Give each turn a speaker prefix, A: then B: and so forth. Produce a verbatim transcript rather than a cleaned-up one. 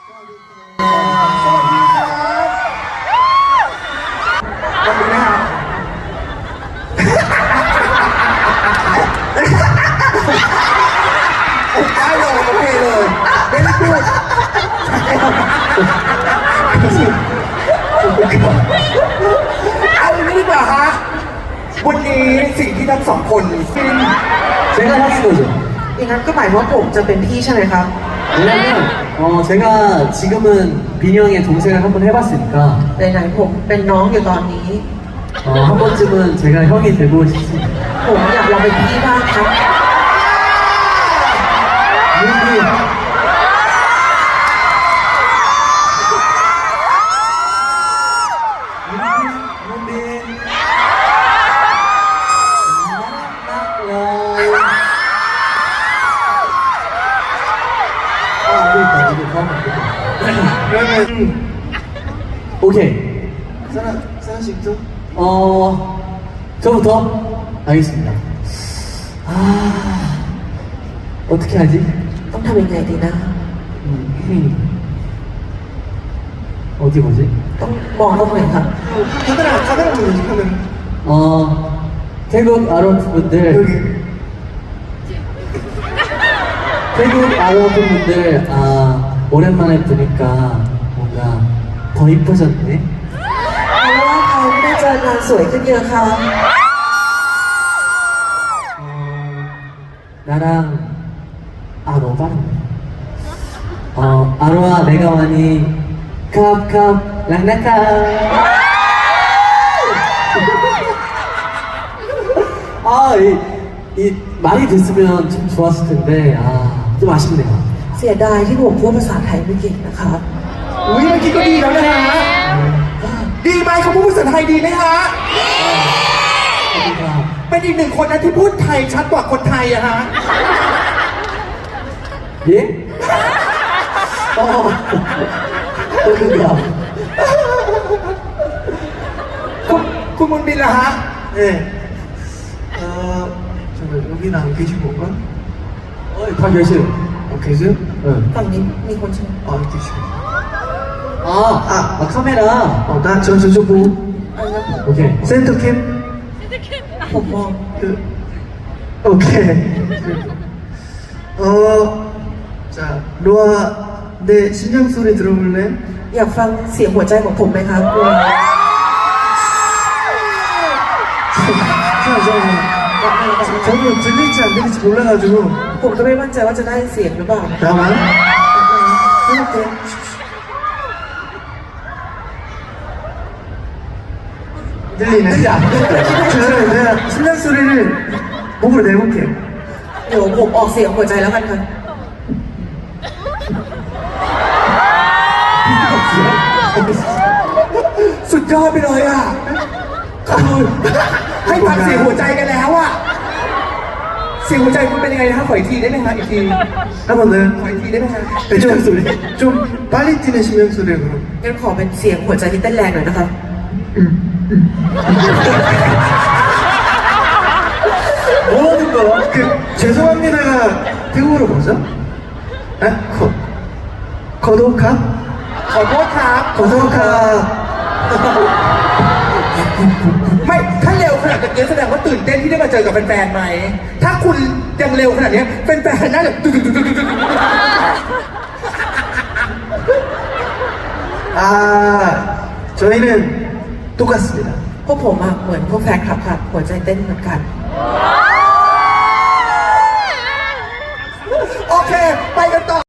A: สวัสดีครับสวัสดีนะครับได้เลยโอเคเลยไม่ได้พูดเอาอย่างนี้ดีกว่าฮะวันนี้สิ่งที่ทั้งสองคนกิน
B: 제가 형인 거죠.
C: อย่างนั้นก็หมายว่าผมจะเป็นพี่ใช่ไหมครับ
B: 왜냐면 어 제가 지금은 빈이 형의 동생을 한번 해봤으니까
C: ไหนๆผมเป็นน้องอยู่ตอนนี้
B: 어, 한 번쯤은 제가 형이 되고 싶습니다.
C: ผมอยากลองเป็นพี่บ้างครับ
B: 윤비. 윤비. 아, 여기 있다. 여기 가면 안 되겠다.
A: 그러면
B: 오케이.
A: 사나 사나씩 좀
B: 어, 저부터? 알겠습니다. 아, 어떻게 하지?
C: ต้องทำยังไงดีนะ
B: 음, 어디 보지?
C: ต้องมองตรงไหนครับ
A: 카메라 카메라 보면서 카메라
B: 어, 태국 아로트 분들,
A: 여기
B: 태국 아로트 분들, 아, 오랜만에 보니까 뭔가 더 이뻐졌네?
C: เพราะว่าเขาไม่ได้เจองานสวยขึ้นเยอะครับ
B: 어, 나랑 아로가? 어, 아로아 내가 많이 캅캅 랑나카 아, 이, 이 많이 됐으면 좀 좋았을 텐데 아, 좀 아쉽네요.
C: เสียดายที่ผมพูดภาษาไทยไม่เก่งนะครับ
A: อุ้ยเมื่อกี้ก็ดีแล้วนะฮะดีไหมเขาพูดภาษาไทยดีไหมฮะ
B: 그러니까
A: เป็นอีกหนึ่งคนนะที่พูดไทยชัดกว่าคนไทยอะฮะ
B: 예? 어, 그러니까
A: คุณคุณมุนบินล่ะฮะ
D: 네. 어, 잠깐 여기는 안 계신 건가?
B: 어, 다 계세요.
D: 어, 계세요?
B: 응.
C: ฝั่งนี้มีคนใช่ไหม
D: 아, 계시네.
B: 아, 아, 아, 카메라.
D: 어, 나, 저, 저, 저, 뭐,
C: อันนั้นผม
B: 오케이.
D: 센터캠?
C: ผมมอง
D: 그, 오케이. 어, 자, 로아, 내 심장 소리 들어볼래?
C: อยากฟังเสียงหัวใจของผมไหมครับกลัว
D: 자, 자, 자, 저는 들릴지 안 들릴지 몰라가지고.
C: ผมก็ไม่มั่นใจว่าจะได้เสียงหรือเปล่า
D: 잠깐만. 해볼게. 들리네. 자, 그러면 내가 심장 소리를 목으로 내볼게.
C: เดี๋ยวผมออกเสียงหัวใจแล้วกันครับ
A: สุดยอดไปเลยอ่ะคือให้ฟังเสียงหัวใจกันแล้วอ่ะเสียงหัวใจคุณเป็นยังไงนะฮะขออีกทีได้ไหมฮะอีกที
D: 한 번 더요.
A: ขออีกทีได้ไหมฮะ
D: 네, 좀, 좀 빨리 뛰는 심장 소리를 그럼.
C: งั้นขอเป็นเสียงหัวใจที่เต้นแรงหน่อยนะครับ
D: 뭐 하는 거야? 그, 죄송합니다가 태국어로 뭐죠? 아, 거, 거독합?
A: ขอโทษครับ
D: 거독합.
A: ไม่ถ้าเร็วขนาดนี้แสดงว่าตื่นเต้นที่ได้มาเจอกับแฟนๆไหมถ้าคุณยังเร็วขนาดนี้แฟนๆน่าจะตึ๊ดๆ
D: 아, 저희는 똑같습니다.
C: พวกผมอะเหมือนพวกแฟนคลับครับหัวใจเต้นเหมือนกัน
A: โอเค ไปกันต่อ